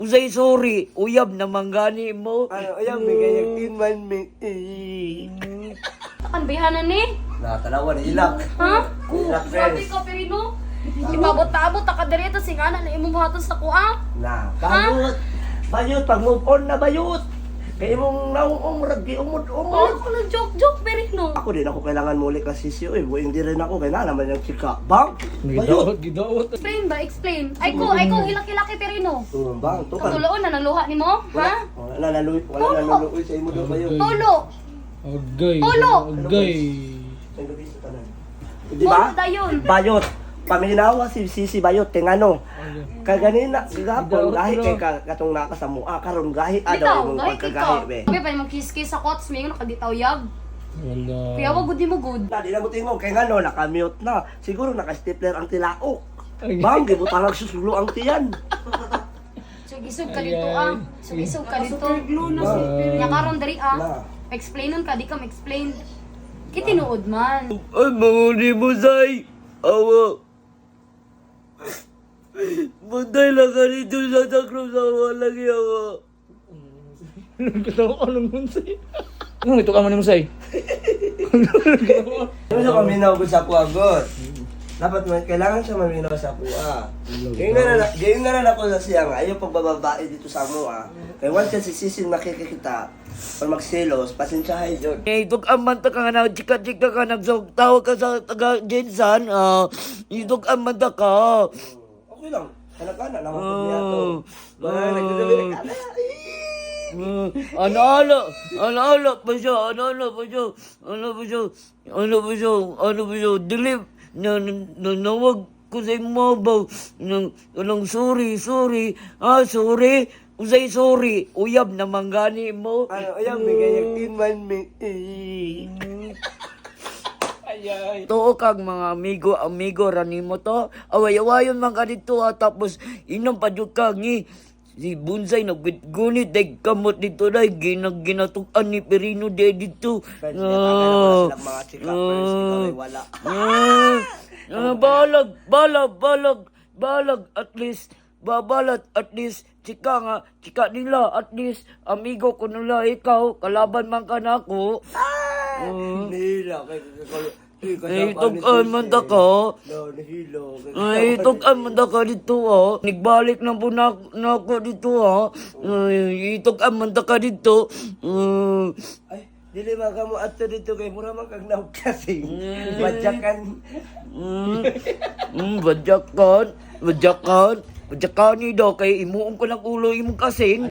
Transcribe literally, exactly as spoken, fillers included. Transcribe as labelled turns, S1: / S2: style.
S1: usay sorry, uyab na manggani mo.
S2: Ano, ayaw, may ganyan tinman, may eh.
S3: Takan bihanan ni?
S2: Nakatalawa na ilak.
S3: Ha?
S2: Ilak,
S3: Grabe
S2: friends.
S3: ka, Perino. Ibabot-abot, takadirito, singana na imong buhaton sa kuha.
S2: Na, bayot. Bayot, pag move on na bayot. Kaya mong nauong ragi,
S3: Wala
S2: umod-umod.
S3: ko ng joke-joke, Perino.
S2: Ako din ako kailangan muli kasi siyo eh. Buhay hindi rin ako. Kaya naman yung chika. Bang! Bayot!
S4: gidaot.
S3: Explain ba? Explain. Ay ko, ay ko, hilaki-laki, Perino.
S2: Hmm, bang, tukan.
S3: Katuloon na ng luha ni mo, ha?
S2: Wala na naluwi, wala
S3: Tulo.
S2: na naluwi sa imo daw bayot.
S3: Tulo.
S4: Agay.
S3: Tulo.
S4: Agay.
S2: Ang gabi sa tanan. Di
S3: Tulo
S2: ba?
S3: dayon.
S2: Bayot. Paminawa si Sisi Bayot tingano. Kaganina gapon gahi kay ka- katong naka sa mua karon gahi
S3: Bitaw,
S2: adaw imong
S3: gahit
S2: pagkagahi
S3: ikaw.
S2: be.
S3: Sabi pa yung kiss-kiss sa kots, may nakaditaw yag.
S4: Wala.
S3: Kaya wag good di mo good.
S2: Na di na mo tingog kay ngano naka-mute na. Siguro naka-stapler ang tilaok.
S4: Ay.
S2: Bang gibutang ang susulo ang tiyan.
S3: Sugisog ka dito ah. Sugisog ka dito.
S4: Ah.
S3: Nya karon diri
S2: Na.
S3: ah. Explainon ka, di ka ma-explain. Kitinuod man.
S1: Ay, manguni mo, say. Awa. Buntay lang ka dito sa takro sa walang yawa.
S4: Nagkatawa ka ng munsay. Ano ito ka man mo say?
S2: Ano sa paminaw ko sa kuagot? Dapat man kailangan siya maminaw sa kuha. Gayon na na, gayon na na ako sa siya nga ayaw pagbababae dito sa mua. Kaya once kasi sisin makikita pag magselos, pasensyahay yun.
S1: Eh, itog amanta ka nga na, chika-chika ka, nagsawag ka sa taga Jensan, ah, itog amanta ka.
S2: Okay lang. Anak-anak naman po niya to.
S1: Oh.
S2: Mga nagsasabi na, "Ala, eh."
S1: Uh, ano-ano, ano-ano pa siya, ano-ano pa siya, ano pa siya, ano pa siya, ano pa siya, dilip, na, na, na, nawag ko sa imabaw, nang, nang sorry, sorry, ah, sorry, usay sorry, uyab na manggani mo.
S2: Ano, ayaw, may ganyan tinman, may eh.
S4: Ayay.
S1: Too kag mga amigo, amigo, rani mo to, away-awayon man ka dito ha, tapos inom pa dyan ka, ni, si Bunsay nagbitgunit, day kamot dito day, ginag ginatukan ni Perino day dito.
S2: Friends, pinapakailan ko na silang mga chika, friends, ikaw ay wala.
S1: Ah, ah, balag, balag, balag, balag, at least, babalat, at least, chika nga, chika nila, at least, amigo ko nila, ikaw, kalaban man ka na ako. Ah,
S2: Nihila, kay
S1: ay, tugan man ta ka.
S2: No, nihilo.
S1: Ay, tugan man ta ka dito, ha. Nigbalik na po na, na ako dito, ha. Ay, tugan man ta ka dito. Ah,
S2: Ay, dili man ka mo ato dito kay mura man kag naog kasi. Badyakan.
S1: mm, mm, badyakan, badyakan, badyakan ni daw, kay imuong ko ng ulo imong kasing.